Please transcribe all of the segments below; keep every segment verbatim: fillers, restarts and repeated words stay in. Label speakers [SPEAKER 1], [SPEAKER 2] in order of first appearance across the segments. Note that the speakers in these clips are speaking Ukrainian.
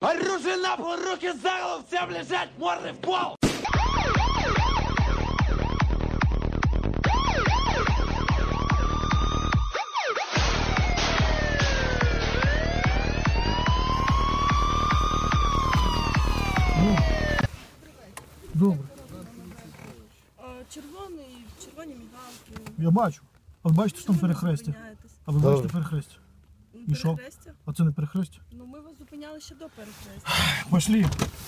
[SPEAKER 1] Оружие на пол, руки за голову, всем лежать, морды в пол!
[SPEAKER 2] Добре.
[SPEAKER 3] Червоний, червоні мігалки.
[SPEAKER 2] Я бачу. А ви бачите, що там перехрестя? А ви бачите перехрестя? І що? А це не перехрестя?
[SPEAKER 3] Ну ми вас зупиняли ще до перехрестя.
[SPEAKER 2] Пошли.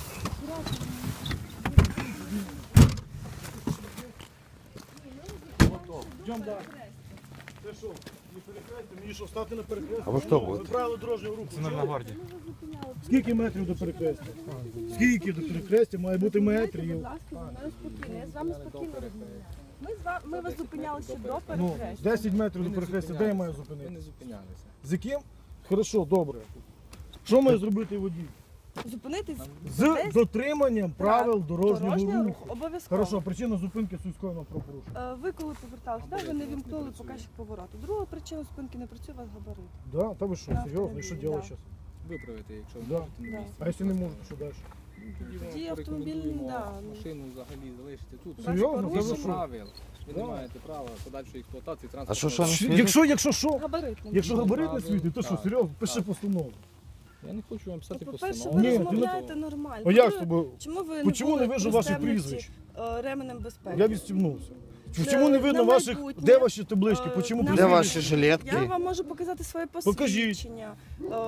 [SPEAKER 2] Йдемо далі. Це що? Не перехрестя? Мені що, стати на перехресті?
[SPEAKER 4] А ви хто будете?
[SPEAKER 2] Ви правила дорожнього руху.
[SPEAKER 5] Це на гвардії.
[SPEAKER 2] Скільки метрів до перехрестя? Скільки до перехрестя? Має бути метрів.
[SPEAKER 3] Будь ласка, зі мною спокійно. Я з вами спокійно розмовляю. Ми, з вами, ми вас зупиняли ще до
[SPEAKER 2] Ну,
[SPEAKER 3] перехрестя.
[SPEAKER 2] десять метрів до перехрестя, де я маю
[SPEAKER 5] Ми
[SPEAKER 2] зупинити?
[SPEAKER 5] не зупинялися.
[SPEAKER 2] З яким? Хорошо, добре. Що має зробити водій?
[SPEAKER 3] Зупинитись
[SPEAKER 2] З
[SPEAKER 3] десь
[SPEAKER 2] дотриманням правил дорожнього
[SPEAKER 3] дорожнього
[SPEAKER 2] руху.
[SPEAKER 3] руху. Обов'язково.
[SPEAKER 2] Хорошо, причина зупинки суського правопорушення.
[SPEAKER 3] Е, Ви коли поверталися, да, ви не вімкнули показчик повороту. Друга причина зупинки не працює, у вас габарит.
[SPEAKER 2] Да? Та ви що,
[SPEAKER 3] На
[SPEAKER 2] серйозно? І що
[SPEAKER 3] автомобілі,
[SPEAKER 2] робити
[SPEAKER 3] да.
[SPEAKER 2] зараз?
[SPEAKER 5] Виправити, якщо ви
[SPEAKER 2] Да.
[SPEAKER 5] можете на
[SPEAKER 3] Да.
[SPEAKER 5] місці.
[SPEAKER 2] А якщо не можу, то що далі?
[SPEAKER 5] Тоді вам
[SPEAKER 3] Тоді автомобіль,
[SPEAKER 5] порекомендуємо
[SPEAKER 3] да, ну.
[SPEAKER 5] машину взагалі залишити тут.
[SPEAKER 2] Серйозно?
[SPEAKER 5] Згідно
[SPEAKER 2] Та ви що?
[SPEAKER 5] правил. Ви не
[SPEAKER 2] Да.
[SPEAKER 5] маєте права подальшої експлуатації
[SPEAKER 4] А
[SPEAKER 5] транспорту.
[SPEAKER 4] що, що не
[SPEAKER 2] Щ-
[SPEAKER 4] світить?
[SPEAKER 2] Якщо, якщо що?
[SPEAKER 3] Габарит не
[SPEAKER 2] Якщо
[SPEAKER 3] буде.
[SPEAKER 2] габарит не
[SPEAKER 5] правил,
[SPEAKER 2] світить, то що,
[SPEAKER 5] так,
[SPEAKER 2] серйозно? Пиши
[SPEAKER 5] так.
[SPEAKER 2] постанову.
[SPEAKER 5] Я не хочу вам писати
[SPEAKER 3] По-перше,
[SPEAKER 5] постанову.
[SPEAKER 3] ви
[SPEAKER 2] Ні, ти не-
[SPEAKER 3] розмовляєте нормально.
[SPEAKER 2] А як з
[SPEAKER 3] По-друге,
[SPEAKER 2] тобою?
[SPEAKER 3] Чому ви
[SPEAKER 2] Почему
[SPEAKER 3] були
[SPEAKER 2] не вижу ваших
[SPEAKER 3] пристебнуті,
[SPEAKER 2] прізвищ?
[SPEAKER 3] е, ременем безпеки?
[SPEAKER 2] Я відстібнувся.
[SPEAKER 3] Е,
[SPEAKER 2] Чому не видно
[SPEAKER 3] на
[SPEAKER 2] ваших...
[SPEAKER 3] майбутнє,
[SPEAKER 2] Де ваші таблички?
[SPEAKER 3] е,
[SPEAKER 2] Почему
[SPEAKER 3] на
[SPEAKER 4] Де
[SPEAKER 2] прізвищ?
[SPEAKER 4] ваші
[SPEAKER 3] Я
[SPEAKER 4] жилетки?
[SPEAKER 3] вам можу показати своє
[SPEAKER 2] Покажіть.
[SPEAKER 3] посвідчення. Е,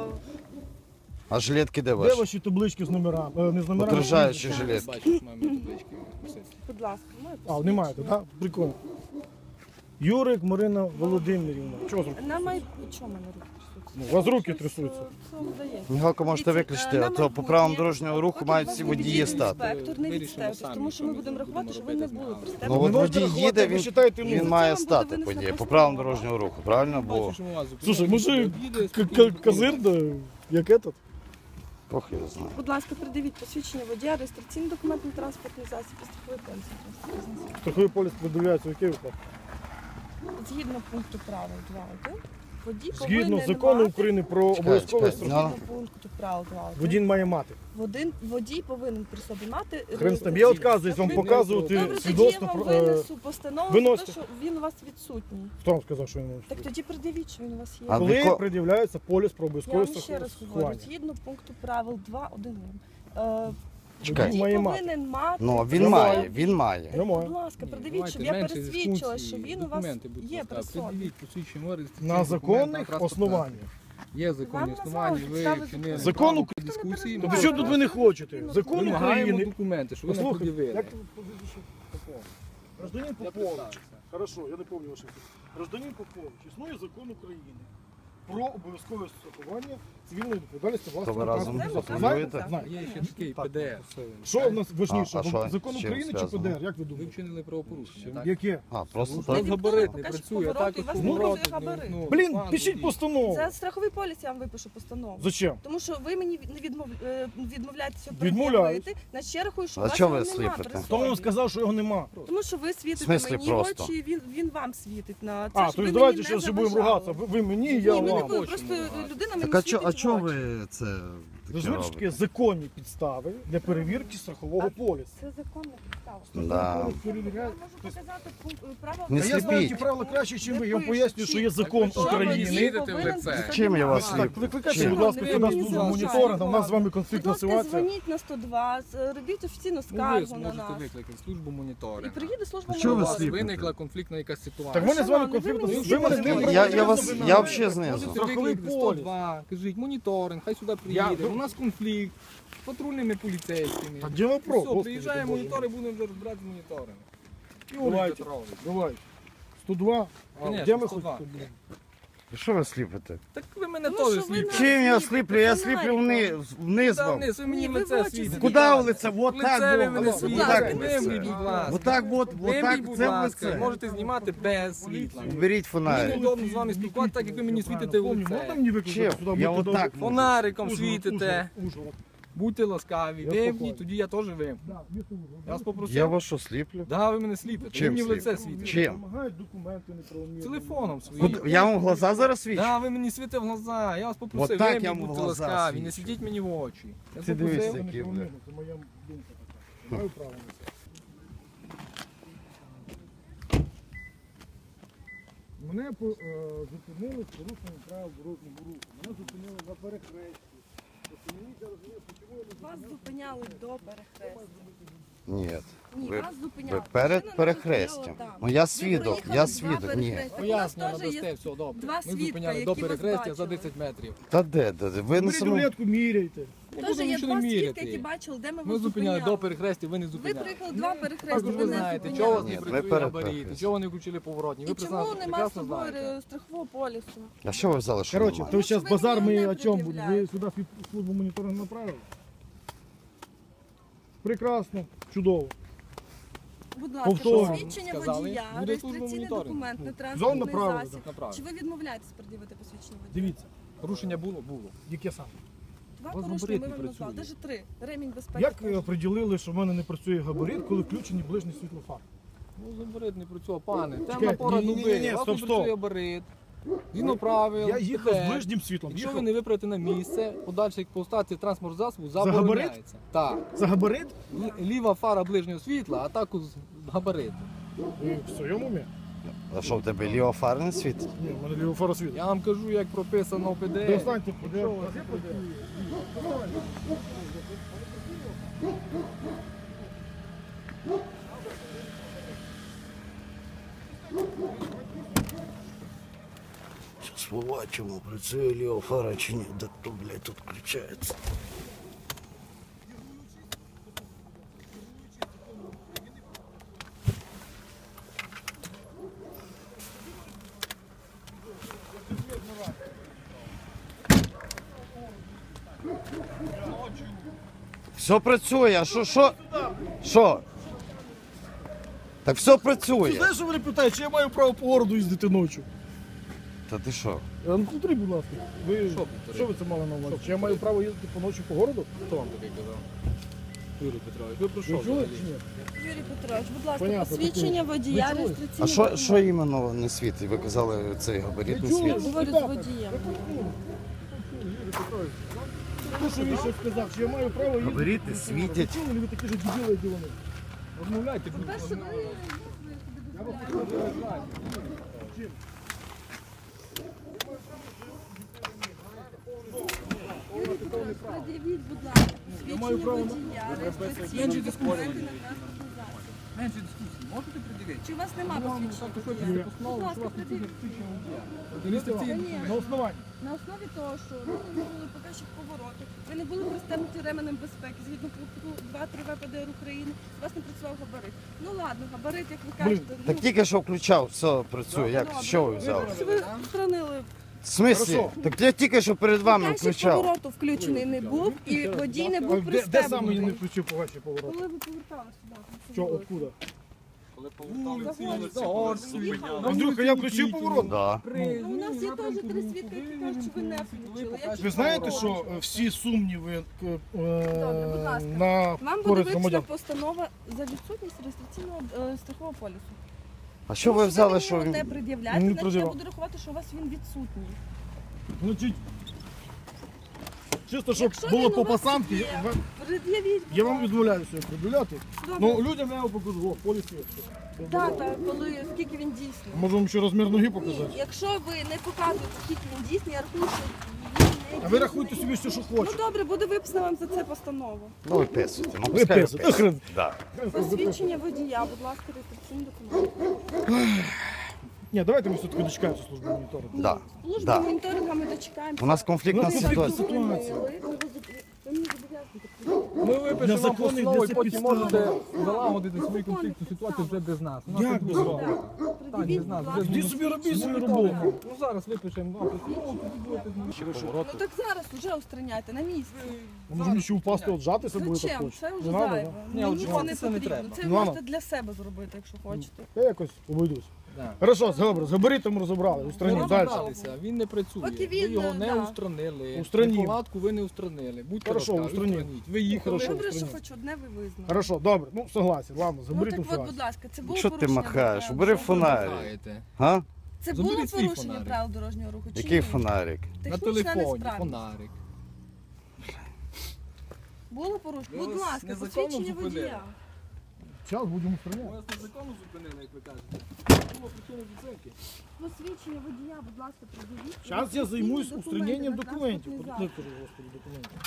[SPEAKER 4] А жилетки де
[SPEAKER 2] Де
[SPEAKER 4] ваші?
[SPEAKER 2] ваші таблички з номерами? Е, Не з номерами.
[SPEAKER 4] Окружаючі
[SPEAKER 3] Так.
[SPEAKER 4] жилетки.
[SPEAKER 5] Бачиш, маємо таблички писати.
[SPEAKER 3] Будь ласка, моє
[SPEAKER 2] А,
[SPEAKER 3] посвідчення.
[SPEAKER 2] немає, так? Прикольно. Юрик Марина Володимирівна. Чого з руки?
[SPEAKER 3] На май... Чому мене руки трясуться?
[SPEAKER 2] Ну, у вас руки
[SPEAKER 3] Щось,
[SPEAKER 2] трясуться.
[SPEAKER 3] е, це вдається.
[SPEAKER 4] Мігалку можете
[SPEAKER 3] Дивіться,
[SPEAKER 4] виключити,
[SPEAKER 3] е,
[SPEAKER 4] а
[SPEAKER 3] на
[SPEAKER 4] то по
[SPEAKER 3] майбутнє,
[SPEAKER 4] правилам дорожнього руху
[SPEAKER 3] от
[SPEAKER 4] мають
[SPEAKER 3] у
[SPEAKER 4] всі
[SPEAKER 3] вас
[SPEAKER 4] водії
[SPEAKER 3] водій
[SPEAKER 4] стати.
[SPEAKER 3] інспектор, не
[SPEAKER 5] Вирішимо
[SPEAKER 3] відстежуйтесь,
[SPEAKER 5] самі,
[SPEAKER 3] тому що ми
[SPEAKER 5] що ми
[SPEAKER 3] будемо
[SPEAKER 5] будемо
[SPEAKER 3] рахувати, що ви не
[SPEAKER 5] робити з
[SPEAKER 3] були
[SPEAKER 5] нами.
[SPEAKER 3] пристебнуті.
[SPEAKER 4] Ну от
[SPEAKER 2] Не можна
[SPEAKER 4] водій
[SPEAKER 2] рахувати,
[SPEAKER 4] їде,
[SPEAKER 2] ви
[SPEAKER 4] він,
[SPEAKER 2] считаєте, ну,
[SPEAKER 4] він
[SPEAKER 2] це
[SPEAKER 4] має
[SPEAKER 3] вам буде
[SPEAKER 4] стати, по
[SPEAKER 3] винесена
[SPEAKER 4] ідеї, по
[SPEAKER 3] постанова.
[SPEAKER 4] правилам дорожнього руху, правильно? Бо
[SPEAKER 5] Бачиш, у вас
[SPEAKER 2] Слушай, може
[SPEAKER 5] їде,
[SPEAKER 2] к-
[SPEAKER 5] спокійно.
[SPEAKER 2] к- козир, да, як этот?
[SPEAKER 4] Бог його знає.
[SPEAKER 3] Будь ласка, придивіть посвідчення водія, реєстраційний документ на транспортний засіб і страховий поліс.
[SPEAKER 2] Страховий поліс придивляється, який випадок?
[SPEAKER 3] Згідно пункту правил два один, водій
[SPEAKER 2] Згідно
[SPEAKER 3] повинен
[SPEAKER 2] закону
[SPEAKER 3] мати...
[SPEAKER 2] України про обов'язкове
[SPEAKER 4] чекай,
[SPEAKER 2] страхування.
[SPEAKER 3] Згідно пункту правил два один,
[SPEAKER 2] Водій має мати.
[SPEAKER 3] Водин- водій повинен при собі мати...
[SPEAKER 2] Хрен з тим. Я відказуюсь вам
[SPEAKER 5] Добре,
[SPEAKER 2] показувати
[SPEAKER 3] Добре, тоді я
[SPEAKER 2] свідоцтво
[SPEAKER 3] вам
[SPEAKER 2] про... е,
[SPEAKER 3] винесу постанову,
[SPEAKER 2] виносите.
[SPEAKER 3] про те, що він у вас відсутній.
[SPEAKER 2] Хто вам сказав, що він може?
[SPEAKER 3] Так тоді придивіть, що він у вас є.
[SPEAKER 4] А
[SPEAKER 2] Коли
[SPEAKER 4] Віко-
[SPEAKER 2] пред'являється поліс про
[SPEAKER 3] Я
[SPEAKER 2] обов'язкове
[SPEAKER 3] вам ще раз говорю,
[SPEAKER 2] страхування?
[SPEAKER 3] згідно пункту правил два один. Е,
[SPEAKER 4] Чекай.
[SPEAKER 2] Водій
[SPEAKER 3] водій
[SPEAKER 2] має мати.
[SPEAKER 3] повинен мати...
[SPEAKER 4] Ну, він
[SPEAKER 2] Я
[SPEAKER 4] має,
[SPEAKER 2] маю.
[SPEAKER 4] він має.
[SPEAKER 3] Так,
[SPEAKER 2] Я маю.
[SPEAKER 3] будь ласка, придивіть,
[SPEAKER 5] Давайте
[SPEAKER 3] щоб я
[SPEAKER 5] менше
[SPEAKER 3] пересвідчила,
[SPEAKER 5] дискусій,
[SPEAKER 3] що він у вас
[SPEAKER 5] документи, будь
[SPEAKER 3] є
[SPEAKER 5] ласка,
[SPEAKER 3] при собі.
[SPEAKER 5] придивіть посвідчення, реєстраційний
[SPEAKER 2] На
[SPEAKER 5] документ,
[SPEAKER 2] законних
[SPEAKER 5] транспортна-
[SPEAKER 2] основаннях.
[SPEAKER 5] Є законні
[SPEAKER 3] Вам
[SPEAKER 5] основання,
[SPEAKER 3] назвали
[SPEAKER 5] ви
[SPEAKER 3] підстави
[SPEAKER 5] вчинили
[SPEAKER 2] закону.
[SPEAKER 5] право
[SPEAKER 2] Закону-
[SPEAKER 5] дискусії.
[SPEAKER 2] То що тут ви не хочете? Закон
[SPEAKER 5] Вимагаємо
[SPEAKER 2] України.
[SPEAKER 5] документи, що ви нам
[SPEAKER 2] Послухайте,
[SPEAKER 5] пред'явили.
[SPEAKER 2] як ви позицію Попов? Гражданин
[SPEAKER 5] Я
[SPEAKER 2] Попович.
[SPEAKER 5] представився.
[SPEAKER 2] Хорошо, я не пам'ятаю ваше ім'я. Гражданин Попович, існує закон України про обов'язкове страхування цивільної відповідальності
[SPEAKER 4] То ви
[SPEAKER 2] власного
[SPEAKER 4] разом
[SPEAKER 2] транспортного засобу.
[SPEAKER 4] працюєте?
[SPEAKER 2] Знаєте?
[SPEAKER 5] А
[SPEAKER 2] Знаєте.
[SPEAKER 5] є ще такий пе де еф.
[SPEAKER 2] Що в нас важніше?
[SPEAKER 4] А, а що?
[SPEAKER 2] Закон
[SPEAKER 4] З чим
[SPEAKER 2] України чи
[SPEAKER 4] зв'язано?
[SPEAKER 2] пе де ер? Як ви
[SPEAKER 5] Ви
[SPEAKER 2] думаєте?
[SPEAKER 5] вчинили правопорушення, так?
[SPEAKER 2] Яке?
[SPEAKER 4] А, просто
[SPEAKER 5] Ну,
[SPEAKER 4] так?
[SPEAKER 5] габарит не
[SPEAKER 3] Покажіть
[SPEAKER 5] працює,
[SPEAKER 3] повороти,
[SPEAKER 5] також
[SPEAKER 3] у вас не
[SPEAKER 5] повороти,
[SPEAKER 3] працює габарит.
[SPEAKER 5] ну,
[SPEAKER 2] Блін,
[SPEAKER 5] пан
[SPEAKER 2] пишіть
[SPEAKER 5] водій.
[SPEAKER 2] постанову.
[SPEAKER 3] За страховий поліс я вам випишу постанову.
[SPEAKER 2] Зачем?
[SPEAKER 3] Тому що ви мені не відмов... е, відмовляєтеся
[SPEAKER 2] Відмовляюсь.
[SPEAKER 3] пред'явити, значить я рахую, що
[SPEAKER 4] А
[SPEAKER 3] у вас
[SPEAKER 4] чого
[SPEAKER 3] його
[SPEAKER 4] ви
[SPEAKER 3] нема
[SPEAKER 4] сліпите?
[SPEAKER 3] при
[SPEAKER 2] Хто вам
[SPEAKER 3] собі.
[SPEAKER 2] сказав, що його нема?
[SPEAKER 3] Тому що ви
[SPEAKER 4] В
[SPEAKER 3] світите
[SPEAKER 4] смислі
[SPEAKER 3] мені
[SPEAKER 4] просто?
[SPEAKER 3] в очі, він, він вам світить на це,
[SPEAKER 2] А,
[SPEAKER 3] щоб
[SPEAKER 2] то
[SPEAKER 3] ви
[SPEAKER 2] есть
[SPEAKER 3] мені
[SPEAKER 2] давайте
[SPEAKER 3] не
[SPEAKER 2] зараз ще будемо
[SPEAKER 3] заважали.
[SPEAKER 2] ругатися. Ви, ви мені, я
[SPEAKER 3] Ні, ми не
[SPEAKER 2] вам.
[SPEAKER 3] будемо,
[SPEAKER 5] Хочемо
[SPEAKER 3] просто
[SPEAKER 5] ругатися.
[SPEAKER 3] людина мені
[SPEAKER 4] Так а чо-
[SPEAKER 3] світить
[SPEAKER 4] а
[SPEAKER 3] в
[SPEAKER 4] чого
[SPEAKER 3] очі.
[SPEAKER 4] ви це таке
[SPEAKER 2] Розумієте, що таке
[SPEAKER 4] робите?
[SPEAKER 2] законні підстави для перевірки страхового полісу.
[SPEAKER 3] Це законна підстава.
[SPEAKER 4] Да.
[SPEAKER 2] Поліс перевіряє.
[SPEAKER 3] Я можу показати пункт- е, право...
[SPEAKER 4] Не
[SPEAKER 2] А я знаю ті
[SPEAKER 4] сліпіть.
[SPEAKER 2] правила краще, ніж ви. Я вам
[SPEAKER 3] Не
[SPEAKER 2] пояснюю, що є
[SPEAKER 3] пишіть.
[SPEAKER 2] закон
[SPEAKER 3] Що ви
[SPEAKER 2] України.
[SPEAKER 5] їдете в
[SPEAKER 3] повинен
[SPEAKER 5] лице?
[SPEAKER 3] при собі
[SPEAKER 4] Чим я вас
[SPEAKER 3] мати.
[SPEAKER 2] Так, викликайте,
[SPEAKER 4] Чим?
[SPEAKER 2] будь ласка,
[SPEAKER 3] Ви
[SPEAKER 2] у нас
[SPEAKER 3] мені
[SPEAKER 2] тут
[SPEAKER 3] заважаєте.
[SPEAKER 2] моніторинг, у нас з вами
[SPEAKER 3] Будь
[SPEAKER 2] конфліктна
[SPEAKER 3] ласка,
[SPEAKER 2] ситуація.
[SPEAKER 3] дзвоніть на сто два, з- робіть офіційну
[SPEAKER 5] Ну, ви
[SPEAKER 3] скаргу на
[SPEAKER 5] зможете
[SPEAKER 3] нас.
[SPEAKER 5] викликати службу
[SPEAKER 3] І
[SPEAKER 5] моніторингу.
[SPEAKER 3] приїде служба
[SPEAKER 4] А чого ви
[SPEAKER 5] У вас
[SPEAKER 3] моніторингу.
[SPEAKER 4] сліпите?
[SPEAKER 5] виникла конфліктна якась ситуація.
[SPEAKER 2] Так в мене з вами
[SPEAKER 3] Шановний,
[SPEAKER 2] конфліктна
[SPEAKER 3] ви
[SPEAKER 2] ситуація. Ви мене з
[SPEAKER 3] мені
[SPEAKER 2] ним
[SPEAKER 4] Я, я вас,
[SPEAKER 2] провокуєте.
[SPEAKER 4] я взагалі знизу.
[SPEAKER 5] Можете
[SPEAKER 2] Страховий
[SPEAKER 5] викликати
[SPEAKER 2] поліс.
[SPEAKER 5] сто два, кажіть, моніторинг, хай сюди
[SPEAKER 2] Я-
[SPEAKER 5] приїде. У нас конфлікт з патрульними поліцейськими.
[SPEAKER 2] Так де вопрос?
[SPEAKER 5] Все,
[SPEAKER 2] Господи,
[SPEAKER 5] приїжджає
[SPEAKER 2] Боже.
[SPEAKER 5] монітор і будемо вже розбирати з моніторингом.
[SPEAKER 2] Давайте,
[SPEAKER 5] Петрович.
[SPEAKER 2] давайте. сто два. А
[SPEAKER 5] Конечно,
[SPEAKER 2] де ми
[SPEAKER 5] сто два.
[SPEAKER 2] хочете? блін?
[SPEAKER 4] Що ви сліпите?
[SPEAKER 5] Так ви мене
[SPEAKER 3] Тому
[SPEAKER 5] теж
[SPEAKER 3] що ви
[SPEAKER 5] сліпите.
[SPEAKER 4] Чим я
[SPEAKER 3] сліпите,
[SPEAKER 4] сліплю? Я
[SPEAKER 3] фонариком.
[SPEAKER 4] сліплю вниз, вниз
[SPEAKER 5] Куди
[SPEAKER 4] вам.
[SPEAKER 5] вниз? Ви мені
[SPEAKER 3] Ні,
[SPEAKER 5] в
[SPEAKER 3] ви в
[SPEAKER 5] лице
[SPEAKER 3] очі
[SPEAKER 5] світите.
[SPEAKER 3] світите.
[SPEAKER 4] Куда в лице? Вот
[SPEAKER 5] В
[SPEAKER 4] так,
[SPEAKER 5] лице ви
[SPEAKER 4] вот,
[SPEAKER 5] мене
[SPEAKER 4] вот
[SPEAKER 5] світите.
[SPEAKER 4] так в
[SPEAKER 5] Виміть,
[SPEAKER 4] лице.
[SPEAKER 5] будь ласка.
[SPEAKER 4] Вот так вот, вот
[SPEAKER 5] Виміть,
[SPEAKER 4] так,
[SPEAKER 5] будь
[SPEAKER 4] це в
[SPEAKER 5] ласка.
[SPEAKER 4] лице.
[SPEAKER 5] Можете знімати без світла.
[SPEAKER 4] Беріть
[SPEAKER 5] Мені
[SPEAKER 4] фонарик.
[SPEAKER 5] неудобно з вами спілкуватися, так як ви мені світите в
[SPEAKER 2] Помню, можна
[SPEAKER 5] лице.
[SPEAKER 2] мені викликати
[SPEAKER 4] Чим?
[SPEAKER 2] сюди?
[SPEAKER 4] Я
[SPEAKER 2] будьте
[SPEAKER 4] отак
[SPEAKER 2] добрі?
[SPEAKER 4] можу.
[SPEAKER 5] Фонариком
[SPEAKER 2] Ужгород,
[SPEAKER 5] світите.
[SPEAKER 2] Ужгород, Ужгород.
[SPEAKER 5] Будьте ласкаві,
[SPEAKER 2] Я
[SPEAKER 5] вимкніть,
[SPEAKER 2] спокійний.
[SPEAKER 5] тоді я теж вимкну.
[SPEAKER 2] Да, місто Ужгород.
[SPEAKER 5] Я вас попросив.
[SPEAKER 4] Я вас що сліплю?
[SPEAKER 5] Да, ви мене сліпите.
[SPEAKER 4] Чим
[SPEAKER 5] ви мені в лице
[SPEAKER 4] сліпите?
[SPEAKER 5] світите.
[SPEAKER 4] Чим?
[SPEAKER 2] Вимагають документи неправомірні.
[SPEAKER 5] Телефоном своїм.
[SPEAKER 4] От я вам в глаза зараз свічу?
[SPEAKER 5] Да, ви мені світите в глаза. Я вас попросив,
[SPEAKER 4] От так
[SPEAKER 5] вимкніть,
[SPEAKER 4] я вам в
[SPEAKER 5] будьте
[SPEAKER 4] глаза
[SPEAKER 5] ласкаві, не
[SPEAKER 4] свічу.
[SPEAKER 5] світіть мені в очі. Я
[SPEAKER 4] Ти
[SPEAKER 5] попросив.
[SPEAKER 4] дивись,
[SPEAKER 2] Це
[SPEAKER 4] який,
[SPEAKER 2] неправомірно, це моя думка така. Маю право на це. Мене по- е, зупинили з порушенням правил дорожнього руху. Мене зупинили на перехресті. Тобто мені зараз розуміє, чому я не
[SPEAKER 3] Вас зупиняли до перехрестя.
[SPEAKER 4] Ні.
[SPEAKER 3] Ні,
[SPEAKER 4] Ви-
[SPEAKER 3] вас зупиняли.
[SPEAKER 4] Ви перед
[SPEAKER 3] Машина не
[SPEAKER 4] перехрестям.
[SPEAKER 3] стояла там.
[SPEAKER 4] Ну я
[SPEAKER 3] Ви
[SPEAKER 4] свідок,
[SPEAKER 3] проїхали
[SPEAKER 4] я
[SPEAKER 3] два
[SPEAKER 4] свідок, ні.
[SPEAKER 3] перехрестя. У нас
[SPEAKER 5] Пояснення
[SPEAKER 3] теж
[SPEAKER 5] надасте,
[SPEAKER 3] є
[SPEAKER 5] все добре.
[SPEAKER 3] два
[SPEAKER 5] Ми
[SPEAKER 3] свідка,
[SPEAKER 5] зупиняли
[SPEAKER 3] які
[SPEAKER 5] до
[SPEAKER 3] вас
[SPEAKER 5] перехрестя за
[SPEAKER 3] бачили.
[SPEAKER 5] десять метрів.
[SPEAKER 4] Та де, де, де? Ви на
[SPEAKER 2] Беріть
[SPEAKER 4] самому...
[SPEAKER 2] рулетку, міряйте.
[SPEAKER 5] Не
[SPEAKER 3] Теж
[SPEAKER 5] будемо
[SPEAKER 3] є
[SPEAKER 5] нічого
[SPEAKER 3] два
[SPEAKER 5] не
[SPEAKER 3] свідка,
[SPEAKER 5] міряти.
[SPEAKER 3] які бачили, де ми
[SPEAKER 5] Ми
[SPEAKER 3] вас
[SPEAKER 5] зупиняли до
[SPEAKER 3] зупиняли.
[SPEAKER 5] перехрестя, ви не
[SPEAKER 3] Ви
[SPEAKER 5] зупиняли.
[SPEAKER 3] приїхали два
[SPEAKER 5] Так
[SPEAKER 3] перехрестя,
[SPEAKER 5] ви
[SPEAKER 3] ви не
[SPEAKER 5] знаєте,
[SPEAKER 3] зупиняли.
[SPEAKER 5] чого вас
[SPEAKER 4] Ні,
[SPEAKER 5] не
[SPEAKER 4] ми
[SPEAKER 5] працює
[SPEAKER 4] перед
[SPEAKER 5] габарит,
[SPEAKER 4] перехрестям.
[SPEAKER 5] чого ви не включили поворотні. Ви
[SPEAKER 3] І чому
[SPEAKER 5] прекрасно
[SPEAKER 3] нема з
[SPEAKER 5] прекрасно
[SPEAKER 3] собою
[SPEAKER 5] знаєте.
[SPEAKER 3] страхового полісу?
[SPEAKER 4] А що ви взяли, що
[SPEAKER 2] Коротше,
[SPEAKER 4] немає?
[SPEAKER 2] то зараз
[SPEAKER 3] ви
[SPEAKER 2] базар
[SPEAKER 3] мені
[SPEAKER 2] ми
[SPEAKER 3] не
[SPEAKER 2] о чому буде? Ви
[SPEAKER 3] пред'являєте.
[SPEAKER 2] сюди під службу моніторингу направили? Прекрасно, чудово.
[SPEAKER 3] Будь ласка,
[SPEAKER 2] Повторно.
[SPEAKER 3] посвідчення
[SPEAKER 5] Сказали,
[SPEAKER 3] водія,
[SPEAKER 5] буде
[SPEAKER 3] реєстраційний
[SPEAKER 5] служба
[SPEAKER 3] документ,
[SPEAKER 5] моніторингу.
[SPEAKER 3] на
[SPEAKER 2] Зон
[SPEAKER 3] транспортний
[SPEAKER 2] направили,
[SPEAKER 3] засіб.
[SPEAKER 5] направили.
[SPEAKER 3] Чи ви відмовляєтесь пред'явити посвідчення водія?
[SPEAKER 2] Дивіться,
[SPEAKER 5] Порушення було? Було.
[SPEAKER 2] яке саме.
[SPEAKER 3] Два
[SPEAKER 5] У вас
[SPEAKER 3] порушення
[SPEAKER 5] габарит
[SPEAKER 3] ми
[SPEAKER 5] не
[SPEAKER 3] вам назвали,
[SPEAKER 5] працює.
[SPEAKER 3] навіть три. Ремінь безпеки.
[SPEAKER 2] Як
[SPEAKER 3] теж.
[SPEAKER 2] е, приділили, що в мене не працює габарит, коли включені ближні світлофар?
[SPEAKER 5] Ну, габарит не працював, пане. Темна
[SPEAKER 2] Чекайте,
[SPEAKER 5] пора
[SPEAKER 2] ні-ні-ні-ні,
[SPEAKER 5] доби. У вас
[SPEAKER 2] стоп,
[SPEAKER 5] не
[SPEAKER 2] стоп.
[SPEAKER 5] працює габарит. Згідно правил.
[SPEAKER 2] Я їхав
[SPEAKER 5] ПДР.
[SPEAKER 2] з ближнім світлом.
[SPEAKER 5] Якщо ви
[SPEAKER 2] Їхав
[SPEAKER 5] не випрете на місце, подальший експлуатації транспортного засобу
[SPEAKER 2] габарит?
[SPEAKER 5] забороняється. Так.
[SPEAKER 2] за габарит
[SPEAKER 5] Л- Ліва фара ближнього світла, а також габарит.
[SPEAKER 2] і в своєму умі.
[SPEAKER 4] А що в тебе ліва фара не світить?
[SPEAKER 2] Ні, в мене ліво фара світить.
[SPEAKER 5] Я вам кажу, як прописано в
[SPEAKER 2] Де
[SPEAKER 5] ПДР.
[SPEAKER 2] останьте, де
[SPEAKER 5] Що у вас ПДР?
[SPEAKER 4] Зараз побачимо, працює ліва фара чи ні. Де то, блядь, тут включається. Все працює, а що, що? Що? Так все
[SPEAKER 2] Ти
[SPEAKER 4] працює.
[SPEAKER 2] знаєш, що мене питають, чи я маю право по городу їздити ночі?
[SPEAKER 4] Та ти що?
[SPEAKER 2] А ну повтори, будь ласка. Ви,
[SPEAKER 5] Що
[SPEAKER 2] що,
[SPEAKER 5] повторити?
[SPEAKER 2] ви це мали на увазі? Чи я маю право їздити по ночі по городу?
[SPEAKER 5] Хто вам таке казав? Юрій Петрович, ви про що
[SPEAKER 2] Ви чули
[SPEAKER 5] взагалі?
[SPEAKER 2] чи ні?
[SPEAKER 3] Юрій Петрович, будь ласка,
[SPEAKER 2] Понятно,
[SPEAKER 3] посвідчення
[SPEAKER 2] таке.
[SPEAKER 3] водія,
[SPEAKER 2] Ви чули?
[SPEAKER 3] реєстраційний
[SPEAKER 4] А що,
[SPEAKER 3] документ.
[SPEAKER 4] що іменно не світить? Ви казали, цей габарит не
[SPEAKER 2] чули?
[SPEAKER 3] Я
[SPEAKER 4] світить.
[SPEAKER 3] говорю з водієм.
[SPEAKER 2] Юрій Петрович, те, що він ще сказав, чи я маю право їздити?
[SPEAKER 4] Габарити
[SPEAKER 2] по ночі?
[SPEAKER 4] світять.
[SPEAKER 2] Ви чули, ви такі ж дебіли, як і вони.
[SPEAKER 5] Розмовляйте, будь
[SPEAKER 3] Перше,
[SPEAKER 5] ласка.
[SPEAKER 3] ви Юрій Петрович, пред'явіть, будь ласка, посвідчення водія, реєстраційний документ на транспортний засіб.
[SPEAKER 5] Менше дискусії. Можете приділити?
[SPEAKER 3] Чи у вас нема посвідчення
[SPEAKER 5] Так, що
[SPEAKER 3] водія?
[SPEAKER 5] після
[SPEAKER 3] Будь
[SPEAKER 5] постанови, що
[SPEAKER 3] ласка,
[SPEAKER 5] у вас не буде
[SPEAKER 3] пред'явіть.
[SPEAKER 5] посвідчення водія. Реєстраційний
[SPEAKER 3] Конечно.
[SPEAKER 2] На основанні.
[SPEAKER 3] На основі того, що ви не були показчик повороту, ви не були пристебнуті ременем безпеки згідно пункту два три В П Д Р України, у вас не працював габарит. Ну ладно, габарит, як ви кажете,
[SPEAKER 4] Так
[SPEAKER 3] ну,
[SPEAKER 4] тільки що включав, все працює. Як?
[SPEAKER 3] добре.
[SPEAKER 4] Що ви взяли?
[SPEAKER 3] Чи ви встранили?
[SPEAKER 4] В смислі?
[SPEAKER 2] Хорошо.
[SPEAKER 4] Так я тільки що перед вами
[SPEAKER 3] Показчик
[SPEAKER 4] включав.
[SPEAKER 3] повороту включений не був і водій не
[SPEAKER 2] А
[SPEAKER 3] був
[SPEAKER 2] де, де саме я не
[SPEAKER 3] пристебнутий.
[SPEAKER 2] включив по вашій повороту?
[SPEAKER 3] Коли ви поверталися сюди?
[SPEAKER 2] Що, откуда?
[SPEAKER 3] Вулиці.
[SPEAKER 2] Андрюха, я включив поворот.
[SPEAKER 4] Да.
[SPEAKER 3] Ну, у нас є теж три свідки, які кажуть, що ви не включили. Я
[SPEAKER 2] Ви знаєте, що е, всі сумніви е,
[SPEAKER 3] Добре, будь ласка.
[SPEAKER 2] на
[SPEAKER 3] Вам буде
[SPEAKER 2] користь
[SPEAKER 3] виписана
[SPEAKER 2] громадян?
[SPEAKER 3] постанова за відсутність реєстраційного е, страхового полісу.
[SPEAKER 4] А що ви
[SPEAKER 3] Тому
[SPEAKER 4] взяли,
[SPEAKER 3] ви
[SPEAKER 4] що
[SPEAKER 3] мені
[SPEAKER 4] він...
[SPEAKER 3] не пред'являєте,
[SPEAKER 2] Не
[SPEAKER 3] значить я
[SPEAKER 2] пред'являв.
[SPEAKER 3] буду рахувати, що у вас він відсутній.
[SPEAKER 2] Значить, чисто, щоб
[SPEAKER 3] Якщо
[SPEAKER 2] було
[SPEAKER 3] він
[SPEAKER 2] по
[SPEAKER 3] у вас
[SPEAKER 2] пасанки,
[SPEAKER 3] є,
[SPEAKER 2] я-
[SPEAKER 3] пред'явіть.
[SPEAKER 2] я вам відмовляюся приділяти.
[SPEAKER 3] Добре.
[SPEAKER 2] Ну, людям я вам покажу, о, поліс є.
[SPEAKER 3] Дата, коли, скільки він дійсний.
[SPEAKER 2] Можу вам ще розмір ноги
[SPEAKER 3] Ні,
[SPEAKER 2] показати.
[SPEAKER 3] якщо ви не показуєте, скільки він дійсний, я рахую, що він не
[SPEAKER 2] А ви
[SPEAKER 3] дійсний.
[SPEAKER 2] рахуйте собі все, що
[SPEAKER 3] Ну
[SPEAKER 2] хочете.
[SPEAKER 3] добре, буде виписана вам за це постанова.
[SPEAKER 4] Ну, виписуйте. Ну, пускай
[SPEAKER 2] Виписуйте.
[SPEAKER 4] виписуйте. Да.
[SPEAKER 3] Посвідчення водія, будь ласка, реєстраційний документ.
[SPEAKER 2] Ні, давайте ми все-таки дочекаємося служби моніторингу.
[SPEAKER 4] Да.
[SPEAKER 3] Служба
[SPEAKER 4] Да.
[SPEAKER 3] моніторинга ми дочекаємося.
[SPEAKER 4] У нас конфліктна
[SPEAKER 2] У нас конфліктна
[SPEAKER 4] ситуація.
[SPEAKER 2] ситуація.
[SPEAKER 3] Ви мені зобов'язані так.
[SPEAKER 5] Ми випишемо вам
[SPEAKER 2] законних
[SPEAKER 5] постанову і
[SPEAKER 2] для
[SPEAKER 5] потім
[SPEAKER 2] підстав.
[SPEAKER 5] можете залагодити свою конфліктну ситуацію вже без нас. У нас
[SPEAKER 2] Як
[SPEAKER 5] тут
[SPEAKER 2] без
[SPEAKER 5] друга
[SPEAKER 2] вас?
[SPEAKER 5] робота. Так,
[SPEAKER 3] Пред'явіть,
[SPEAKER 5] без нас.
[SPEAKER 3] будь
[SPEAKER 5] Вже
[SPEAKER 3] ласка.
[SPEAKER 2] Іди
[SPEAKER 5] з-
[SPEAKER 2] собі робіть
[SPEAKER 5] з
[SPEAKER 2] свою
[SPEAKER 5] моніторингу.
[SPEAKER 2] роботу.
[SPEAKER 5] Ну зараз випишемо вам постанову, тоді будете з моїм поворотом.
[SPEAKER 3] Ну так зараз вже устраняйте на місці.
[SPEAKER 2] Може мені ще впасти, отжатися, бо ви так
[SPEAKER 3] Зачем?
[SPEAKER 2] хочете.
[SPEAKER 3] Це вже
[SPEAKER 2] Не надо,
[SPEAKER 3] зайво.
[SPEAKER 2] да?
[SPEAKER 5] Ні,
[SPEAKER 3] Мені це не
[SPEAKER 5] отжиматися не
[SPEAKER 3] потрібно.
[SPEAKER 5] треба.
[SPEAKER 3] Це
[SPEAKER 2] Не
[SPEAKER 3] ви
[SPEAKER 2] надо.
[SPEAKER 3] можете для себе зробити, якщо хочете.
[SPEAKER 2] Я якось обійдусь.
[SPEAKER 5] Да.
[SPEAKER 2] Хорошо, добре, з габаритом розібрали, устраніть
[SPEAKER 5] Ми
[SPEAKER 2] далі.
[SPEAKER 5] розібралися, він не працює.
[SPEAKER 3] Поки
[SPEAKER 5] Ви
[SPEAKER 3] він,
[SPEAKER 5] його не
[SPEAKER 3] да.
[SPEAKER 5] устранили.
[SPEAKER 2] Устранів.
[SPEAKER 5] Неполадку ви не устранили. Будьте
[SPEAKER 2] Хорошо,
[SPEAKER 5] ласкаві,
[SPEAKER 2] устранів.
[SPEAKER 5] устраніть. Ви їхали.
[SPEAKER 2] Хорошо.
[SPEAKER 3] Добре, що
[SPEAKER 2] устраніть.
[SPEAKER 3] хоч одне ви визнали.
[SPEAKER 2] Хорошо, добре, ну согласен, ладно, з
[SPEAKER 3] Ну
[SPEAKER 2] габаритом
[SPEAKER 3] так от,
[SPEAKER 2] согласен.
[SPEAKER 3] будь ласка, це було
[SPEAKER 4] Що ти
[SPEAKER 3] порушення
[SPEAKER 4] махаєш?
[SPEAKER 3] правил
[SPEAKER 4] Бери
[SPEAKER 3] дорожнього
[SPEAKER 4] фонарик.
[SPEAKER 5] Знаєте.
[SPEAKER 4] А?
[SPEAKER 3] Це
[SPEAKER 5] Заберіть
[SPEAKER 3] було
[SPEAKER 5] свій
[SPEAKER 3] порушення
[SPEAKER 5] фонарик.
[SPEAKER 3] правил дорожнього руху. чи
[SPEAKER 4] Який
[SPEAKER 3] ні?
[SPEAKER 4] фонарик?
[SPEAKER 5] На
[SPEAKER 3] Технічна
[SPEAKER 5] телефоні,
[SPEAKER 3] несправність.
[SPEAKER 5] фонарик.
[SPEAKER 3] Було порушення.
[SPEAKER 5] Ви
[SPEAKER 3] Будь
[SPEAKER 5] вас
[SPEAKER 3] ласка,
[SPEAKER 5] незаконно
[SPEAKER 3] посвідчення
[SPEAKER 5] зупинили.
[SPEAKER 3] водія.
[SPEAKER 2] Зараз будемо устраняти.
[SPEAKER 5] Вас незаконно зупинили, як ви кажете. Було причина зупинки.
[SPEAKER 3] Посвідчення водія, будь ласка, придивіть.
[SPEAKER 2] Зараз я займусь
[SPEAKER 3] Документи
[SPEAKER 2] устраненням
[SPEAKER 3] на
[SPEAKER 2] документів.
[SPEAKER 3] транспортний
[SPEAKER 2] Подивіться,
[SPEAKER 3] засіб.
[SPEAKER 2] господи, документів.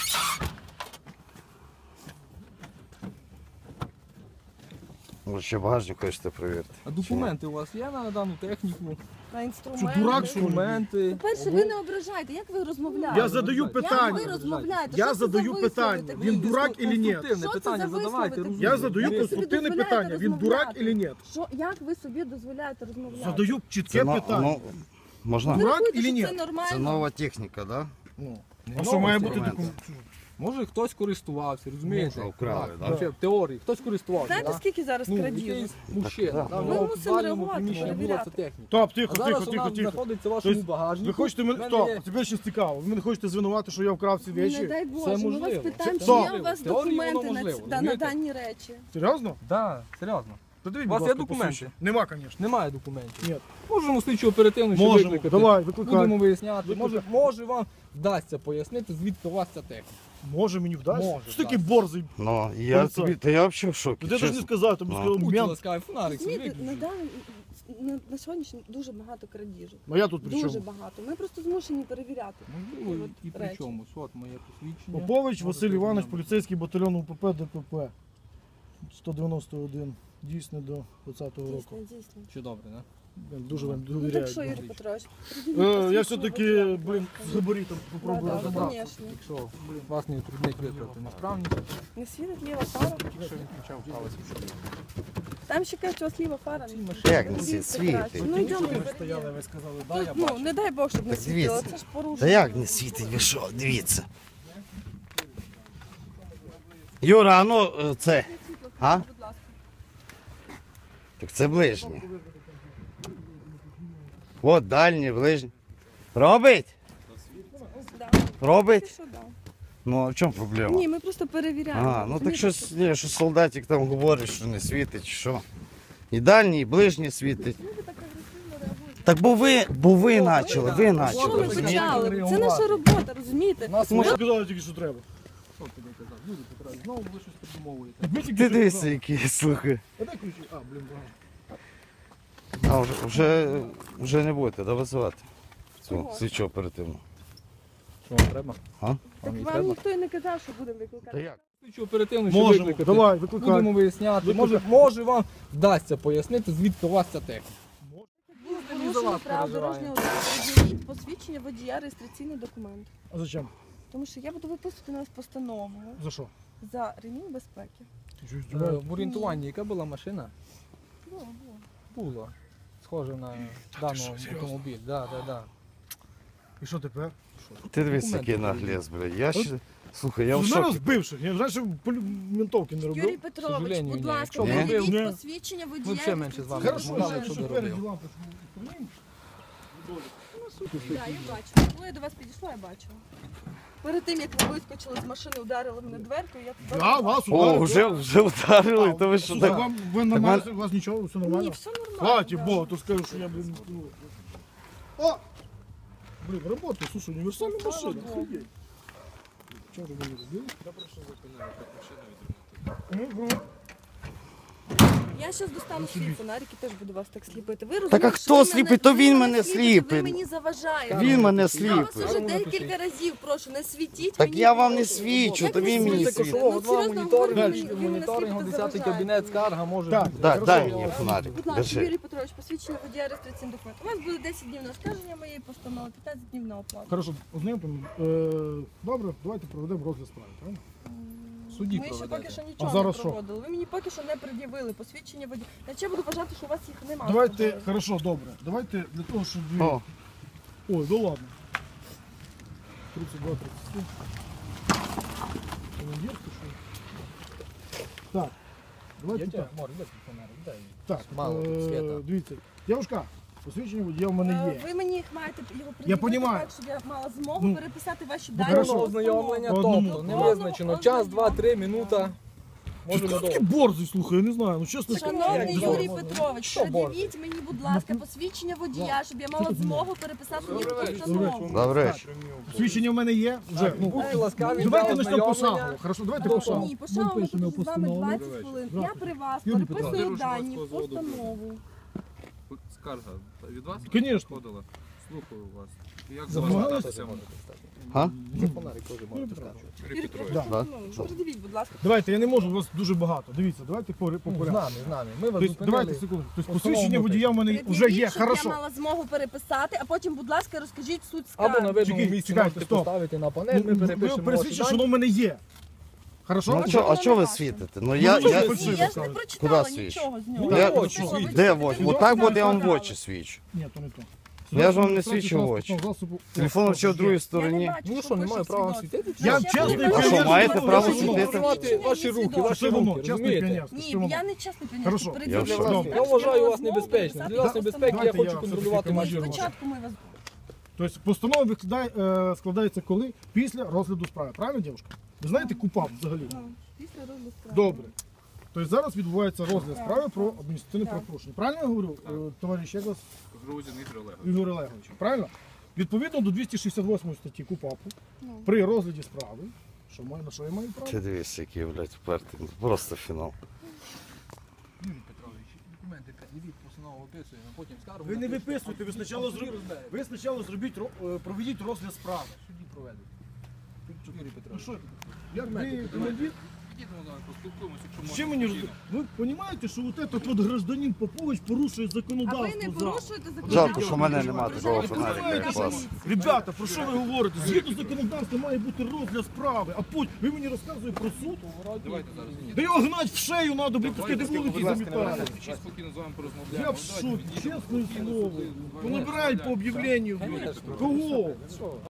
[SPEAKER 4] Може, ще багажник хочете перевірити?
[SPEAKER 5] А документи у вас є на дану техніку?
[SPEAKER 3] На інструменти.
[SPEAKER 2] Що, дурак, що ли?
[SPEAKER 5] Документи.
[SPEAKER 3] По-перше, ви не ображаєте, як ви розмовляєте?
[SPEAKER 2] Я задаю
[SPEAKER 3] Як ви
[SPEAKER 2] питання.
[SPEAKER 3] розмовляєте?
[SPEAKER 2] Я
[SPEAKER 3] Що це
[SPEAKER 2] задаю
[SPEAKER 3] за вислови
[SPEAKER 2] питання.
[SPEAKER 3] такі?
[SPEAKER 2] Він дурак или ні?
[SPEAKER 5] Конструктивне
[SPEAKER 3] Що це
[SPEAKER 5] питання
[SPEAKER 3] за
[SPEAKER 5] задавайте.
[SPEAKER 3] вислови
[SPEAKER 5] розумно.
[SPEAKER 2] Я задаю
[SPEAKER 3] Ви собі
[SPEAKER 2] конструктивне
[SPEAKER 3] дозволяєте
[SPEAKER 2] питання. Він
[SPEAKER 3] розмовляти?
[SPEAKER 2] дурак или ні?
[SPEAKER 3] Що, як ви собі дозволяєте розмовляти?
[SPEAKER 2] Задаю чітке
[SPEAKER 4] Це, но-
[SPEAKER 2] питання.
[SPEAKER 4] ну, можна?
[SPEAKER 3] Ви
[SPEAKER 2] Дурак
[SPEAKER 3] рахуєте,
[SPEAKER 2] или
[SPEAKER 3] що
[SPEAKER 2] ні?
[SPEAKER 3] Це нормально?
[SPEAKER 4] Це нова техніка, да?
[SPEAKER 2] Ну,
[SPEAKER 5] Не
[SPEAKER 2] а що має
[SPEAKER 5] новості.
[SPEAKER 2] бути
[SPEAKER 4] документи.
[SPEAKER 2] документ?
[SPEAKER 5] Може хтось користувався, розумієте?
[SPEAKER 4] Може, вкрали,
[SPEAKER 5] Так,
[SPEAKER 4] да?
[SPEAKER 5] вообще, в теорії. Хтось користувався.
[SPEAKER 3] Знаєте,
[SPEAKER 5] да?
[SPEAKER 3] скільки зараз
[SPEAKER 5] Ну,
[SPEAKER 3] крадіжок?
[SPEAKER 5] якийсь мужчина.
[SPEAKER 4] Так,
[SPEAKER 5] да,
[SPEAKER 4] да.
[SPEAKER 5] в
[SPEAKER 3] Ми
[SPEAKER 5] нього в
[SPEAKER 3] мусимо
[SPEAKER 5] підвальному
[SPEAKER 3] реагувати,
[SPEAKER 5] приміщенні була
[SPEAKER 3] перевіряти.
[SPEAKER 5] ця техніка.
[SPEAKER 2] Стоп,
[SPEAKER 5] А
[SPEAKER 2] тихо,
[SPEAKER 5] зараз
[SPEAKER 2] тихо,
[SPEAKER 5] вона
[SPEAKER 2] тихо, тихо.
[SPEAKER 5] знаходиться в вашому
[SPEAKER 2] Тобто,
[SPEAKER 5] багажнику.
[SPEAKER 2] Ви хочете мене...
[SPEAKER 5] В мене
[SPEAKER 2] Стоп,
[SPEAKER 5] є-
[SPEAKER 2] тебе ще цікаво. Ви мене хочете звинувати, що я вкрав ці
[SPEAKER 3] Ну, Не
[SPEAKER 2] речі?
[SPEAKER 3] дай Боже, ми вас
[SPEAKER 5] можливо.
[SPEAKER 3] питаємо,
[SPEAKER 2] Це
[SPEAKER 3] чи є
[SPEAKER 2] можливо.
[SPEAKER 3] у вас
[SPEAKER 5] В теорії воно
[SPEAKER 3] документи на,
[SPEAKER 5] можливо,
[SPEAKER 3] ці- да, на
[SPEAKER 5] розумієте?
[SPEAKER 3] дані речі.
[SPEAKER 2] Серйозно?
[SPEAKER 5] Так, серйозно.
[SPEAKER 2] Подивіть,
[SPEAKER 5] У вас
[SPEAKER 2] будь
[SPEAKER 5] є
[SPEAKER 2] ласка,
[SPEAKER 5] документи?
[SPEAKER 2] посвідчення. Нема, звісно.
[SPEAKER 5] Немає документів.
[SPEAKER 2] Ні.
[SPEAKER 5] Можемо слідчу оперативну ще
[SPEAKER 2] Можемо,
[SPEAKER 5] викликати.
[SPEAKER 2] давай, викликай.
[SPEAKER 5] Будемо виясняти.
[SPEAKER 2] Викликай.
[SPEAKER 5] Може, може вам вдасться пояснити, звідки у вас ця техніка.
[SPEAKER 2] Може мені вдасться?
[SPEAKER 5] Може,
[SPEAKER 2] Що такий
[SPEAKER 5] вдасться.
[SPEAKER 2] борзий?
[SPEAKER 4] Ну, я
[SPEAKER 2] Поліцай.
[SPEAKER 4] тобі, та я взагалі в шокі.
[SPEAKER 2] Ти ж не
[SPEAKER 4] чесно.
[SPEAKER 2] сказав, тобі
[SPEAKER 4] Ну.
[SPEAKER 2] сказав
[SPEAKER 5] Будьте
[SPEAKER 2] мент.
[SPEAKER 5] ласкаві, фонарик свій
[SPEAKER 3] Розумієте, на,
[SPEAKER 5] виключіть.
[SPEAKER 3] дан- на, на сьогоднішній дуже багато крадіжок.
[SPEAKER 2] А я тут при
[SPEAKER 3] Дуже
[SPEAKER 2] чому?
[SPEAKER 3] багато. Ми просто змушені перевіряти.
[SPEAKER 5] Можливо,
[SPEAKER 3] От
[SPEAKER 5] і при
[SPEAKER 3] речі.
[SPEAKER 5] чомусь. От моє посвідчення.
[SPEAKER 2] Попович
[SPEAKER 5] Можете
[SPEAKER 2] Василь Іванович,
[SPEAKER 5] знайомитися.
[SPEAKER 2] поліцейський батальйон УПП ДПП. сто дев'яносто один. Дійсно до двадцятого року.
[SPEAKER 3] Дійсно, дійсно.
[SPEAKER 5] Чи добре, да?
[SPEAKER 2] Блін, Дуже вам
[SPEAKER 3] Ну так
[SPEAKER 2] довіряю.
[SPEAKER 3] що, Юрій Петрович,
[SPEAKER 2] Е, Я все-таки, блін, з габаритом
[SPEAKER 3] Да,
[SPEAKER 2] попробую
[SPEAKER 3] да,
[SPEAKER 2] розібратися.
[SPEAKER 3] звісно.
[SPEAKER 5] Якщо вас не утруднить виправити несправність,
[SPEAKER 3] Не світить ліва фара.
[SPEAKER 5] якщо він включав право свідчення.
[SPEAKER 3] Там ще кажуть, у вас ліва фара.
[SPEAKER 5] Цій машині
[SPEAKER 4] Як не світ?
[SPEAKER 3] Дивіться
[SPEAKER 4] Світить.
[SPEAKER 3] краще. Ну йдемо,
[SPEAKER 5] ви
[SPEAKER 3] перевіримо.
[SPEAKER 5] стояли, ви сказали, да,
[SPEAKER 3] Тут,
[SPEAKER 5] я
[SPEAKER 3] ну,
[SPEAKER 5] бачу.
[SPEAKER 3] не дай Бог, щоб не
[SPEAKER 4] Так
[SPEAKER 3] світило.
[SPEAKER 4] дивіться.
[SPEAKER 3] Це ж порушення.
[SPEAKER 4] Та як не світить, ви що, дивіться. Юра, а ну е, це. А?
[SPEAKER 3] Будь ласка.
[SPEAKER 4] Так це ближнє. От дальнє, ближнє. Робить?
[SPEAKER 3] Да.
[SPEAKER 4] Робить?
[SPEAKER 3] Що, да.
[SPEAKER 4] Ну а в чому проблема?
[SPEAKER 3] Ні, ми просто перевіряємо.
[SPEAKER 4] А, ну так
[SPEAKER 3] Розумієте,
[SPEAKER 4] щось, ні, що солдатик там говорить, що не світить, чи що. І дальній, і ближнє світить.
[SPEAKER 3] Люди так агресивно реагують.
[SPEAKER 4] Так бо ви, бо ви почали, ви
[SPEAKER 3] Що
[SPEAKER 4] почали.
[SPEAKER 3] ми
[SPEAKER 5] розумієте?
[SPEAKER 3] почали? Це наша робота, розумієте?
[SPEAKER 5] Нас
[SPEAKER 2] Може,
[SPEAKER 5] може...
[SPEAKER 2] сказали тільки, що треба.
[SPEAKER 5] Що тобі казав? Люди Петрович, знову ви щось придумовуєте.
[SPEAKER 2] Ви тільки
[SPEAKER 4] Ти
[SPEAKER 2] що
[SPEAKER 4] дивися,
[SPEAKER 2] сказали.
[SPEAKER 4] які слухай.
[SPEAKER 2] А дай ключі. А, блін,
[SPEAKER 4] А
[SPEAKER 2] ага.
[SPEAKER 4] вже, вже, вже не будете да, визивати цю
[SPEAKER 3] Чого?
[SPEAKER 4] слідчу оперативну.
[SPEAKER 5] Що вам треба?
[SPEAKER 4] А?
[SPEAKER 3] Так
[SPEAKER 5] Вам її
[SPEAKER 3] вам
[SPEAKER 5] треба?
[SPEAKER 3] ніхто і не казав, що будемо
[SPEAKER 4] Та
[SPEAKER 3] викликати.
[SPEAKER 4] як?
[SPEAKER 5] Слідчу оперативну ще
[SPEAKER 2] Можемо,
[SPEAKER 5] викликати.
[SPEAKER 2] давай, викликай.
[SPEAKER 5] Будемо виясняти.
[SPEAKER 2] Викликай.
[SPEAKER 5] Може, може вам вдасться пояснити, звідки у вас ця техніка.
[SPEAKER 3] Було
[SPEAKER 5] за
[SPEAKER 3] порушення
[SPEAKER 5] вас
[SPEAKER 3] правил
[SPEAKER 5] переживаємо.
[SPEAKER 3] дорожнього руху. Пред'явіть посвідчення водія, реєстраційний документ.
[SPEAKER 2] А зачем?
[SPEAKER 3] Тому що я буду виписувати на вас постанову
[SPEAKER 2] За що?
[SPEAKER 3] за ремінь безпеки.
[SPEAKER 2] Ти що,
[SPEAKER 5] Е,
[SPEAKER 2] здіваєшся?
[SPEAKER 5] В орієнтуванні яка була машина?
[SPEAKER 3] Було, було.
[SPEAKER 5] Було. Схоже на даний
[SPEAKER 2] що, серйозно?
[SPEAKER 5] автомобіль. Да, да, да.
[SPEAKER 2] І що тепер?
[SPEAKER 4] Ти дивись,
[SPEAKER 5] Документи
[SPEAKER 4] який
[SPEAKER 5] перевірю.
[SPEAKER 4] наглес, блядь. Я ще... Слухай, я в
[SPEAKER 2] З мене
[SPEAKER 4] шокі.
[SPEAKER 2] збивши. Я раніше полі- ментовки не
[SPEAKER 3] Юрій
[SPEAKER 2] робив.
[SPEAKER 3] Петрович,
[SPEAKER 5] сожалению,
[SPEAKER 3] будь
[SPEAKER 5] ні.
[SPEAKER 3] ласка,
[SPEAKER 5] Якщо
[SPEAKER 4] б
[SPEAKER 3] пред'явіть
[SPEAKER 2] робив, ні.
[SPEAKER 3] посвідчення
[SPEAKER 5] Ми
[SPEAKER 3] водія.
[SPEAKER 5] взагалі менше з вами
[SPEAKER 3] реєстраційний
[SPEAKER 2] Хорошо,
[SPEAKER 5] розмовляли,
[SPEAKER 3] документ.
[SPEAKER 5] що
[SPEAKER 2] що
[SPEAKER 5] доробив.
[SPEAKER 2] спереді лампочку.
[SPEAKER 3] Так, я бачила. Коли я до вас підійшла, я бачила. Перед тим, як ви вискочили з машини, ударили мене дверкою, я туди.
[SPEAKER 2] Я вас
[SPEAKER 4] О,
[SPEAKER 2] ударив.
[SPEAKER 4] вже, вже вдарили, то ви що
[SPEAKER 2] Слухай,
[SPEAKER 4] так?
[SPEAKER 2] вам, ви нормально, у вас нічого, все
[SPEAKER 3] Ні,
[SPEAKER 2] нормально?
[SPEAKER 3] все нормально.
[SPEAKER 2] Хватит,
[SPEAKER 3] да.
[SPEAKER 2] Бог, то скажу, що я, блин, ну. О! Блин, работает, слушай, универсальная машина, охуеть. Чего же вы не любили? Мгм.
[SPEAKER 3] Я зараз достану свій фонарик і теж буду вас так сліпити. Ви
[SPEAKER 4] Так а
[SPEAKER 3] розумієте,
[SPEAKER 4] хто
[SPEAKER 3] що ви
[SPEAKER 4] сліпить?
[SPEAKER 3] мене-
[SPEAKER 4] То
[SPEAKER 3] ви
[SPEAKER 4] він мене
[SPEAKER 3] сліпите,
[SPEAKER 4] сліпить.
[SPEAKER 3] Ви мені заважаєте.
[SPEAKER 4] Він мене
[SPEAKER 3] Я вас
[SPEAKER 4] сліпить.
[SPEAKER 3] уже декілька разів прошу, не світіть
[SPEAKER 4] Так
[SPEAKER 3] мені.
[SPEAKER 4] я вам не
[SPEAKER 3] прошу.
[SPEAKER 4] свічу,
[SPEAKER 3] Як
[SPEAKER 4] то
[SPEAKER 3] ви
[SPEAKER 4] він мені
[SPEAKER 3] світите?
[SPEAKER 4] світить.
[SPEAKER 5] Кошового
[SPEAKER 3] Ну,
[SPEAKER 5] два
[SPEAKER 3] серйозно
[SPEAKER 5] моніторинг,
[SPEAKER 3] говорю, ви мені
[SPEAKER 5] моніторинг,
[SPEAKER 3] сліпите,
[SPEAKER 5] десятий
[SPEAKER 3] заважаєте.
[SPEAKER 5] кабінет, скарга може
[SPEAKER 2] Так,
[SPEAKER 5] бути.
[SPEAKER 4] Да,
[SPEAKER 2] Хорошо.
[SPEAKER 4] дай мені фонарик,
[SPEAKER 3] Будь ласка,
[SPEAKER 4] держи.
[SPEAKER 3] Юрій Петрович, посвідчення водія реєстраційний документ. У вас буде десять днів на оскарження моєї постанови, п'ятнадцять днів на оплату.
[SPEAKER 2] Хорошо, ознайомтемо. Е, добре, давайте проведемо розгляд справи, правильно?
[SPEAKER 5] Судді
[SPEAKER 3] Ми ще поки
[SPEAKER 5] проведете.
[SPEAKER 3] що нічого
[SPEAKER 2] А зараз
[SPEAKER 3] не
[SPEAKER 2] що?
[SPEAKER 3] проводили. Ви мені поки що не пред'явили посвідчення водія. Я ще буду вважати, що у вас їх немає.
[SPEAKER 2] Давайте, хорошо, добре. Давайте для того, щоб ви...
[SPEAKER 4] О,
[SPEAKER 2] Ой, да ладно. тридцать два тридцать семь. Командир, ти що? Так, давайте
[SPEAKER 5] Я
[SPEAKER 2] так.
[SPEAKER 5] тебе, Мор, іди фонарик, дай.
[SPEAKER 2] Так,
[SPEAKER 5] Мало
[SPEAKER 2] е,
[SPEAKER 5] світа.
[SPEAKER 2] дивіться, Дівушка, посвідчення водія в мене
[SPEAKER 3] Е,
[SPEAKER 2] є.
[SPEAKER 3] Ви мені маєте його
[SPEAKER 2] Я
[SPEAKER 3] пред'явити
[SPEAKER 2] понімаю.
[SPEAKER 3] так, щоб я мала змогу
[SPEAKER 2] Ну,
[SPEAKER 3] переписати ваші
[SPEAKER 2] ну,
[SPEAKER 3] дані.
[SPEAKER 2] хорошо.
[SPEAKER 3] в
[SPEAKER 5] Повного
[SPEAKER 3] постанову.
[SPEAKER 5] ознайомлення,
[SPEAKER 2] По одному.
[SPEAKER 5] тобто не
[SPEAKER 3] Повного
[SPEAKER 5] визначено. Час, два, три, минута. Може
[SPEAKER 2] Ти
[SPEAKER 5] не
[SPEAKER 2] такий
[SPEAKER 5] довго.
[SPEAKER 2] борзий, слухай, я не знаю, ну чесно.
[SPEAKER 3] Шановний
[SPEAKER 5] Як
[SPEAKER 3] Юрій
[SPEAKER 5] можна?
[SPEAKER 3] Петрович,
[SPEAKER 5] Що борзий?
[SPEAKER 3] пред'явіть мені, будь ласка, посвідчення водія, щоб я мала змогу переписати їх в
[SPEAKER 2] Добрий
[SPEAKER 3] постанову.
[SPEAKER 4] Добрий вечір.
[SPEAKER 2] Посвідчення в мене є. Вже, ну,
[SPEAKER 5] Будьте ласкаві,
[SPEAKER 2] давайте
[SPEAKER 5] для
[SPEAKER 2] почнемо по
[SPEAKER 5] ознайомлення.
[SPEAKER 2] шагу. Хорошо, давайте
[SPEAKER 5] До
[SPEAKER 2] по шагу.
[SPEAKER 3] Ні, по шагу ми
[SPEAKER 2] пишемо
[SPEAKER 3] тут з вами
[SPEAKER 2] постанову.
[SPEAKER 3] двадцять хвилин. Я при вас
[SPEAKER 2] Юрій
[SPEAKER 3] переписую
[SPEAKER 2] Петрович.
[SPEAKER 3] дані в постанову.
[SPEAKER 6] Скарга від вас
[SPEAKER 2] Конечно.
[SPEAKER 6] подала? Слухаю вас. Як
[SPEAKER 2] Замагалися?
[SPEAKER 6] звертатися можна?
[SPEAKER 4] Га?
[SPEAKER 5] За фонарик теж можете сказати.
[SPEAKER 6] Юрій Петрович.
[SPEAKER 2] Да.
[SPEAKER 4] Да.
[SPEAKER 3] Ну, Пред'явіть, будь ласка.
[SPEAKER 2] Давайте, я не можу, у вас дуже багато. Дивіться, давайте по, по
[SPEAKER 5] Ну, з
[SPEAKER 2] порядку.
[SPEAKER 5] нами, з нами. Ми вас
[SPEAKER 2] Тобто, давайте
[SPEAKER 5] зупинили.
[SPEAKER 2] секунду. Тобто,
[SPEAKER 5] Постанову
[SPEAKER 2] посвідчення
[SPEAKER 5] можете.
[SPEAKER 2] водія в мене вже
[SPEAKER 3] Пред'явіть,
[SPEAKER 2] є,
[SPEAKER 3] щоб я
[SPEAKER 2] хорошо.
[SPEAKER 3] мала змогу переписати, а потім, будь ласка, розкажіть суть
[SPEAKER 5] Або на
[SPEAKER 3] скарги.
[SPEAKER 5] видному
[SPEAKER 2] Чекайте,
[SPEAKER 5] місці
[SPEAKER 2] чекайте,
[SPEAKER 5] можете
[SPEAKER 2] стоп.
[SPEAKER 5] поставити на панель,
[SPEAKER 2] Ну,
[SPEAKER 5] ми
[SPEAKER 2] Ви
[SPEAKER 5] перепишемо ваші
[SPEAKER 2] пересвідчите, що
[SPEAKER 5] дані.
[SPEAKER 2] воно в мене є. Хорошо?
[SPEAKER 4] Ну, а чо- а чого ви світите? Ну я,
[SPEAKER 2] Ну,
[SPEAKER 4] я,
[SPEAKER 2] що ви
[SPEAKER 3] Ні, я ж не
[SPEAKER 2] Куди
[SPEAKER 3] прочитала
[SPEAKER 4] свідчу?
[SPEAKER 3] нічого з нього.
[SPEAKER 2] Ну,
[SPEAKER 4] я-
[SPEAKER 3] Я
[SPEAKER 2] очі
[SPEAKER 3] прочитала,
[SPEAKER 2] свідчу.
[SPEAKER 4] де
[SPEAKER 3] ви
[SPEAKER 4] в очі?
[SPEAKER 3] читали.
[SPEAKER 4] Отак от я вам в
[SPEAKER 3] Прочитали.
[SPEAKER 4] очі свічу.
[SPEAKER 2] Ні, то не то.
[SPEAKER 4] Я ж вам не свідчу в очі.
[SPEAKER 2] Засобу-
[SPEAKER 4] Телефон ще в другій
[SPEAKER 3] Я не
[SPEAKER 4] стороні.
[SPEAKER 3] бачу,
[SPEAKER 5] Ну
[SPEAKER 3] що
[SPEAKER 5] що, не
[SPEAKER 3] пише
[SPEAKER 5] маю
[SPEAKER 3] в
[SPEAKER 5] права
[SPEAKER 3] свідоцтві.
[SPEAKER 5] світити?
[SPEAKER 2] Я
[SPEAKER 3] Ще
[SPEAKER 2] чесний
[SPEAKER 3] не
[SPEAKER 4] А що,
[SPEAKER 3] бачу,
[SPEAKER 4] маєте
[SPEAKER 3] що
[SPEAKER 4] право
[SPEAKER 3] пише в
[SPEAKER 4] світити?
[SPEAKER 3] свідоцтві.
[SPEAKER 5] Ваші руки,
[SPEAKER 3] Свідоцтво.
[SPEAKER 5] ваші
[SPEAKER 2] Що воно?
[SPEAKER 5] руки,
[SPEAKER 2] Чесний
[SPEAKER 5] розумієте?
[SPEAKER 2] піонерський.
[SPEAKER 3] Ні,
[SPEAKER 2] Що воно?
[SPEAKER 3] я не чесний
[SPEAKER 2] Хорошо.
[SPEAKER 3] піонер.
[SPEAKER 4] Я в шоці.
[SPEAKER 5] Я вважаю вас небезпечним. Для вас небезпеки, я
[SPEAKER 2] Давайте
[SPEAKER 5] хочу
[SPEAKER 2] я
[SPEAKER 5] контролювати
[SPEAKER 2] все-таки
[SPEAKER 5] ваші
[SPEAKER 2] можу.
[SPEAKER 5] руки.
[SPEAKER 3] Спочатку ми вас...
[SPEAKER 2] Тобто постанова викладає, е, складається коли? Після розгляду справи. Правильно, дівчинка? Ви знаєте КУПАП взагалі?
[SPEAKER 3] Ну, після розгляду справи.
[SPEAKER 2] Добре. Тобто зараз відбувається розгляд
[SPEAKER 3] Так.
[SPEAKER 2] справи про адміністративне
[SPEAKER 3] Так.
[SPEAKER 2] правопорушення. Правильно я говорю,
[SPEAKER 6] Так.
[SPEAKER 2] е, товариш, як вас?
[SPEAKER 6] Грузин Ігор Олегович.
[SPEAKER 2] Ігор Олегович? Правильно? Відповідно до двісті шістдесят восьмої статті КУПАПу,
[SPEAKER 3] Ну.
[SPEAKER 2] при розгляді справи, що маю, на що я маю право?
[SPEAKER 4] Ти дивись, який, блядь, впертий. Просто фінал.
[SPEAKER 5] Юрій Петрович, документи пред'явіть, постанову описуємо, а потім скаргу.
[SPEAKER 2] Ви не
[SPEAKER 5] напишемо.
[SPEAKER 2] виписуйте, ви спочатку зробіть, ви спочатку зробіть, ро- е, проведіть розгляд справи.
[SPEAKER 5] Судді проведуть. Юрій
[SPEAKER 2] Ну
[SPEAKER 5] Петрович.
[SPEAKER 2] що, як ви командир?
[SPEAKER 6] Ідіть, ну, давай поспілкуємося, якщо можна.
[SPEAKER 2] Ще мені роз-
[SPEAKER 6] спокійно.
[SPEAKER 2] ви розумієте, що от этот от гражданин Попович порушує
[SPEAKER 3] А
[SPEAKER 2] законодавство?
[SPEAKER 3] ви не
[SPEAKER 2] зараз?
[SPEAKER 3] порушуєте законодавство?
[SPEAKER 4] Жалко, що в мене нема такого
[SPEAKER 3] Ви
[SPEAKER 4] фонарика,
[SPEAKER 3] знаєте,
[SPEAKER 4] як у вас.
[SPEAKER 2] Ребята, про що ви говорите? Згідно законодавства має бути розгляд справи, а потім ви мені розказуєте про суд?
[SPEAKER 6] Давайте зараз. Ні,
[SPEAKER 2] Да його гнать в шею треба, блін, пускай де вулиці
[SPEAKER 5] будь ласка,
[SPEAKER 2] замітають.
[SPEAKER 6] Ще спокійно з вами
[SPEAKER 2] Я
[SPEAKER 6] порозмовляємо.
[SPEAKER 2] в
[SPEAKER 6] Давайте
[SPEAKER 2] шокі,
[SPEAKER 6] відійдемо
[SPEAKER 2] чесне
[SPEAKER 6] спокійно,
[SPEAKER 2] слово.
[SPEAKER 6] сюди.
[SPEAKER 2] Понабирають по об'явленню.
[SPEAKER 5] Конечно.
[SPEAKER 2] Кого?
[SPEAKER 5] Що?